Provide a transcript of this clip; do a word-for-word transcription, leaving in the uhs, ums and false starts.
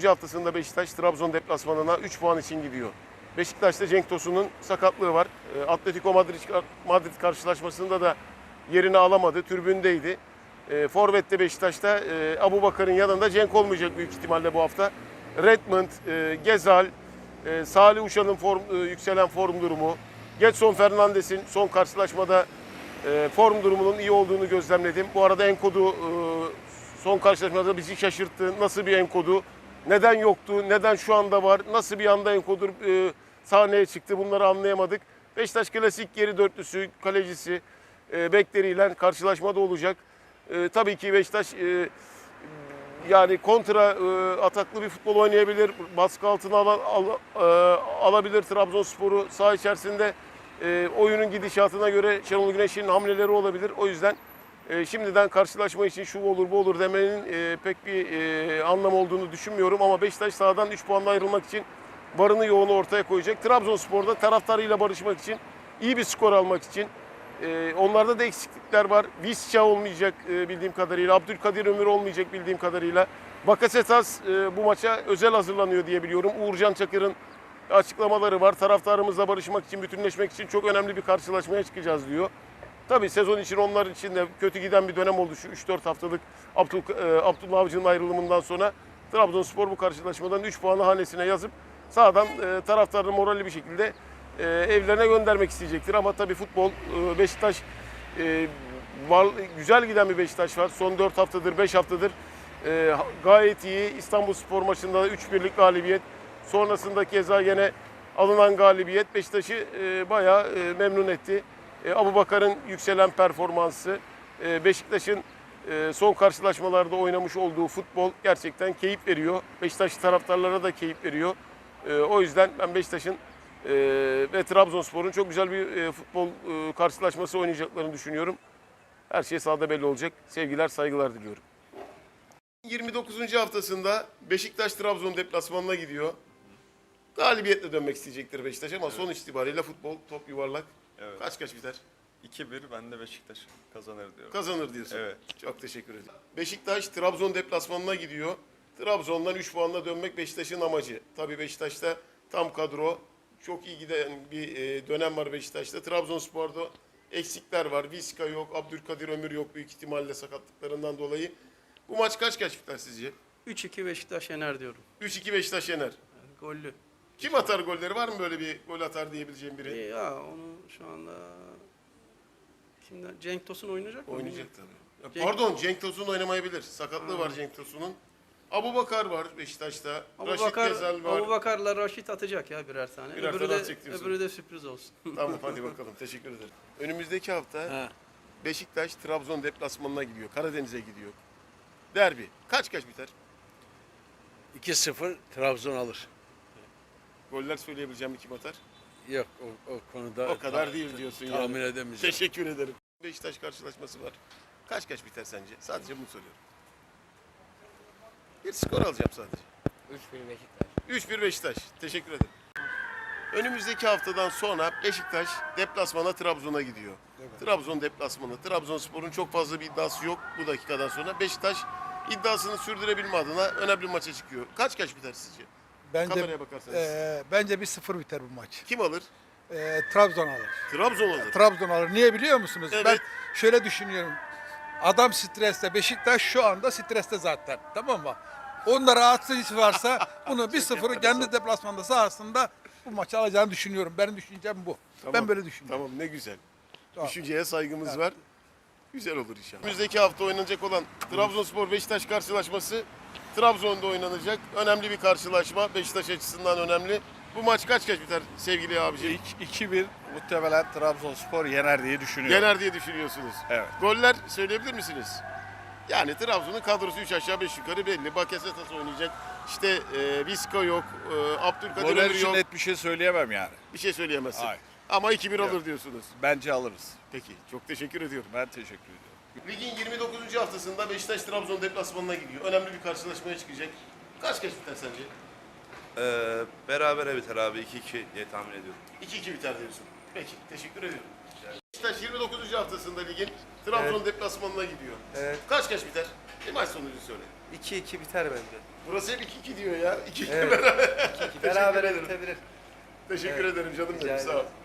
dokuzuncu haftasında Beşiktaş Trabzon deplasmanına üç puan için gidiyor. Beşiktaş'ta Cenk Tosun'un sakatlığı var. Atletico Madrid, Madrid karşılaşmasında da yerini alamadı, tribündeydi. E, Forvet'te Beşiktaş'ta e, Abubakar'ın yanında Cenk olmayacak büyük ihtimalle bu hafta. Redmond, e, Gezal, e, Salih Uşan'ın form, e, yükselen form durumu, Gedson Fernandes'in son karşılaşmada e, form durumunun iyi olduğunu gözlemledim. Bu arada Enkodu e, son karşılaşmada bizi şaşırttı. Nasıl bir Enkodu? Neden yoktu? Neden şu anda var? Nasıl bir anda Enkodu e, sahneye çıktı? Bunları anlayamadık. Beşiktaş klasik geri dörtlüsü, kalecisi, e, bekleriyle karşılaşmada olacak. E, tabii ki Beşiktaş e, yani kontra e, ataklı bir futbol oynayabilir. Baskı altına al, al, e, alabilir Trabzonspor'u. Saha içerisinde e, oyunun gidişatına göre Şenol Güneş'in hamleleri olabilir. O yüzden e, şimdiden karşılaşma için şu olur bu olur demenin e, pek bir e, anlam olduğunu düşünmüyorum. Ama Beşiktaş sahadan üç puanla ayrılmak için varını yoğunu ortaya koyacak. Trabzonspor'da taraftarıyla barışmak için, iyi bir skor almak için. Ee, onlarda da eksiklikler var. Visca olmayacak e, bildiğim kadarıyla. Abdülkadir Ömür olmayacak bildiğim kadarıyla. Bakasetas e, bu maça özel hazırlanıyor diye biliyorum. Uğurcan Çakır'ın açıklamaları var. Taraftarımızla barışmak için, bütünleşmek için çok önemli bir karşılaşmaya çıkacağız diyor. Tabii sezon için onlar için de kötü giden bir dönem oldu şu üç dört haftalık Abdül, e, Abdullah Avcı'nın ayrılımından sonra. Trabzonspor bu karşılaşmadan üç puanı hanesine yazıp sağdan e, taraftarını moralli bir şekilde e, evlerine göndermek isteyecektir. Ama tabii futbol, e, Beşiktaş e, var, güzel giden bir Beşiktaş var. Son dört haftadır, beş haftadır e, gayet iyi. İstanbulspor maçında üç birlik galibiyet. Sonrasında keza yine alınan galibiyet Beşiktaş'ı e, bayağı e, memnun etti. E, Abubakar'ın yükselen performansı, e, Beşiktaş'ın e, son karşılaşmalarda oynamış olduğu futbol gerçekten keyif veriyor. Beşiktaş taraftarlara da keyif veriyor. E, o yüzden ben Beşiktaş'ın e, ve Trabzonspor'un çok güzel bir e, futbol e, karşılaşması oynayacaklarını düşünüyorum. Her şey sahada belli olacak. Sevgiler, saygılar diliyorum. yirmi dokuzuncu haftasında Beşiktaş Trabzon deplasmanına gidiyor. Galibiyetle dönmek isteyecektir Beşiktaş ama evet, sonuç itibariyle futbol top yuvarlak. Evet. Kaç kaç biter? iki bir, ben de Beşiktaş kazanır diyorum. Kazanır diyorsun. Evet. Çok teşekkür ederim. Beşiktaş Trabzon deplasmanına gidiyor. Trabzon'dan üç puanla dönmek Beşiktaş'ın amacı. Tabii Beşiktaş'ta tam kadro, çok iyi giden bir dönem var Beşiktaş'ta. Trabzonspor'da eksikler var. Visca yok, Abdülkadir Ömür yok büyük ihtimalle sakatlıklarından dolayı. Bu maç kaç kaç biter sizce? üç iki Beşiktaş yener diyorum. üç iki Beşiktaş yener. Yani gollü. Kim atar golleri? Var mı böyle bir gol atar diyebileceğim biri? E ya onu şu anda kimden? Cenk Tosun oynayacak mı? Oynayacak tabii. Ya Cenk... Pardon, Cenk Tosun oynamayabilir. Sakatlığı ha. var Cenk Tosun'un. Abubakar var Beşiktaş'ta. Abubakar, Raşit Gezal var. Abubakar'la Raşit atacak ya birer tane. Birer öbürü, tane de, diyorsun. öbürü de sürpriz olsun. Tamam hadi bakalım. Teşekkür ederim. Önümüzdeki hafta ha. Beşiktaş Trabzon deplasmanına gidiyor. Karadeniz'e gidiyor. Derbi. Kaç kaç biter? iki sıfır Trabzon alır. Goller söyleyebileceğim kim atar? Yok o, o konuda o kadar değil diyorsun tahmin yani. edemeyeceğim. Teşekkür ederim. Beşiktaş karşılaşması var. Kaç kaç biter sence? Sadece bunu soruyorum. Bir skor alacağım sadece. üç bir Beşiktaş. üç bir Beşiktaş. Teşekkür ederim. Önümüzdeki haftadan sonra Beşiktaş deplasmana Trabzon'a gidiyor. Evet. Trabzon deplasmanı. Trabzonspor'un çok fazla bir iddiası yok bu dakikadan sonra. Beşiktaş iddiasını sürdürebilme adına önemli maça çıkıyor. Kaç kaç biter sizce? Bence, Kameraya bakarsanız. E, bence bir sıfır biter bu maç. Kim alır? E, Trabzon alır. Trabzon alır. Trabzon alır. Niye biliyor musunuz? Evet. Ben şöyle düşünüyorum. Adam streste. Beşiktaş şu anda streste zaten. Tamam mı? Onda rahatsız varsa bunu bir sıfır kendi deplasmanda sahasında bu maçı alacağını düşünüyorum. Benim düşüncem bu. Tamam, ben böyle düşünüyorum. Tamam ne güzel. Tamam. Düşünceye saygımız evet. var. Güzel olur inşallah. Önümüzdeki hafta oynanacak olan Trabzonspor Beşiktaş karşılaşması Trabzon'da oynanacak. Önemli bir karşılaşma. Beşiktaş açısından önemli. Bu maç kaç kaç biter sevgili abiciğim? iki bir muhtemelen Trabzonspor yener diye düşünüyorum. Yener diye düşünüyorsunuz. Evet. Goller söyleyebilir misiniz? Yani Trabzon'un kadrosu üç aşağı beş yukarı belli. Bakasetas oynayacak. İşte e, Visca yok. E, Abdülkadir Goller Ömür için yok. net bir şey söyleyemem yani. Bir şey söyleyemezsin. Hayır. Ama iki bir Yok. alır diyorsunuz. Bence alırız. Peki. Çok teşekkür ediyorum. Ben teşekkür ediyorum. Ligin yirmi dokuzuncu haftasında Beşiktaş Trabzon deplasmanına gidiyor. Önemli bir karşılaşmaya çıkacak. Kaç kaç biter sence? Ee, berabere biter abi iki iki diye tahmin ediyorum. iki iki biter diyorsun. Peki, teşekkür ediyorum. Beşiktaş yirmi dokuzuncu haftasında ligin Trabzon evet. deplasmanına gidiyor. Evet. Kaç kaç biter? Bir maç sonucu söyle. iki iki biter bence. Burası hep iki iki diyor ya. iki iki Evet. beraber. iki iki berabere bitebilir. Teşekkür Evet. ederim canım Rica benim. Sağ ol. ederim.